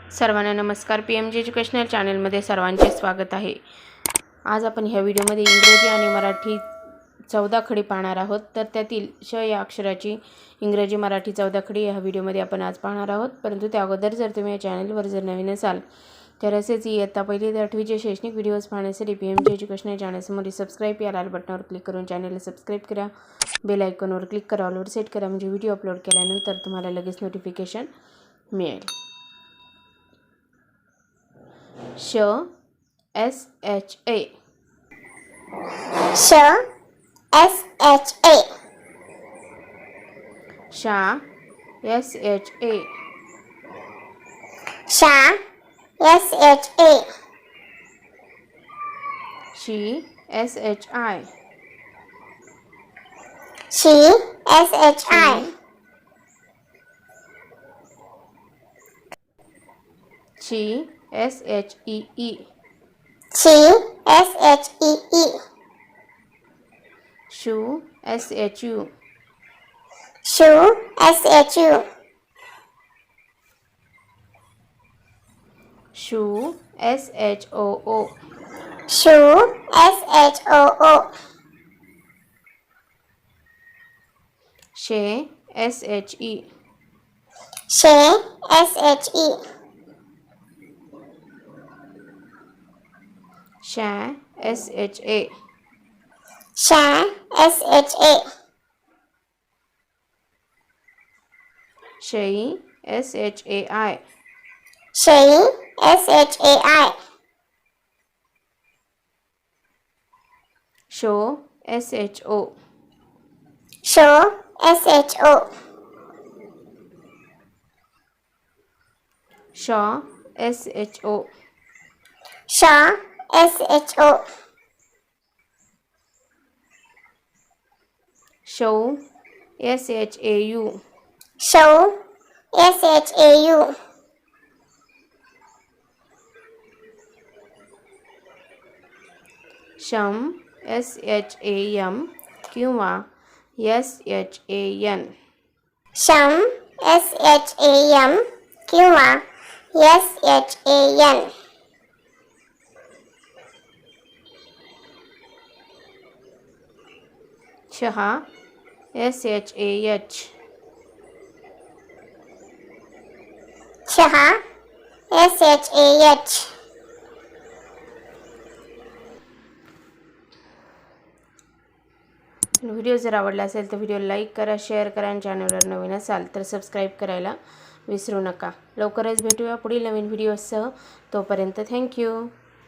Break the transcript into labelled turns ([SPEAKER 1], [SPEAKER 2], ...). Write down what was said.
[SPEAKER 1] सर्वांना नमस्कार. PMG educational चॅनलमध्ये सर्वांचे स्वागत आहे. आज आपण ह्या व्हिडिओमध्ये इंग्रजी आणि मराठी 14 खडी पाहणार आहोत. तर त्यातील श या अक्षराची इंग्रजी मराठी 14 खडी ह्या व्हिडिओमध्ये आपण आज पाहणार आहोत. परंतु त्या अगोदर जर तुम्ही या चॅनलवर जर नवीन असाल तर असेच इयत्ता 1ली ते 8वीचे शैक्षणिक व्हिडिओज पाहण्यासाठी PMG एज्युकेशनल चॅनलसमोर सबस्क्राईब या लाल बटनावर क्लिक करून चॅनलला सबस्क्राईब करा. बेल आयकॉनवर क्लिक करा, ऑलवर सेट करा, म्हणजे व्हिडिओ अपलोड केल्यानंतर तुम्हाला लगेच नोटिफिकेशन मिळेल. श SHA
[SPEAKER 2] श SHA
[SPEAKER 1] शा SHA
[SPEAKER 2] शा SHA
[SPEAKER 1] शी SHI
[SPEAKER 2] शी SHI
[SPEAKER 1] ची SHEE
[SPEAKER 2] शी SHEE
[SPEAKER 1] शू SHU
[SPEAKER 2] शू SHU
[SPEAKER 1] शू SHOO
[SPEAKER 2] शू SHOO
[SPEAKER 1] शे SHE
[SPEAKER 2] शे SHE
[SPEAKER 1] शा SHA
[SPEAKER 2] शा SHA
[SPEAKER 1] शई SHAI
[SPEAKER 2] शई SHAI
[SPEAKER 1] शो SHO
[SPEAKER 2] शो SHO
[SPEAKER 1] शॉ SHO
[SPEAKER 2] शा SHO
[SPEAKER 1] शौ SHAU
[SPEAKER 2] शौ SHAU
[SPEAKER 1] शम SHAM किंवा SHAN
[SPEAKER 2] शम SHAM किंवा SHAN
[SPEAKER 1] शहा SHAH
[SPEAKER 2] शहा SHAH
[SPEAKER 1] व्हिडिओ जर आवडला असेल तर व्हिडिओ लाईक करा, शेअर करा आणि चॅनलवर नवीन असाल तर सबस्क्राईब करायला विसरू नका. लवकरच भेटूया पुढील नवीन व्हिडिओसह. तोपर्यंत थँक्यू.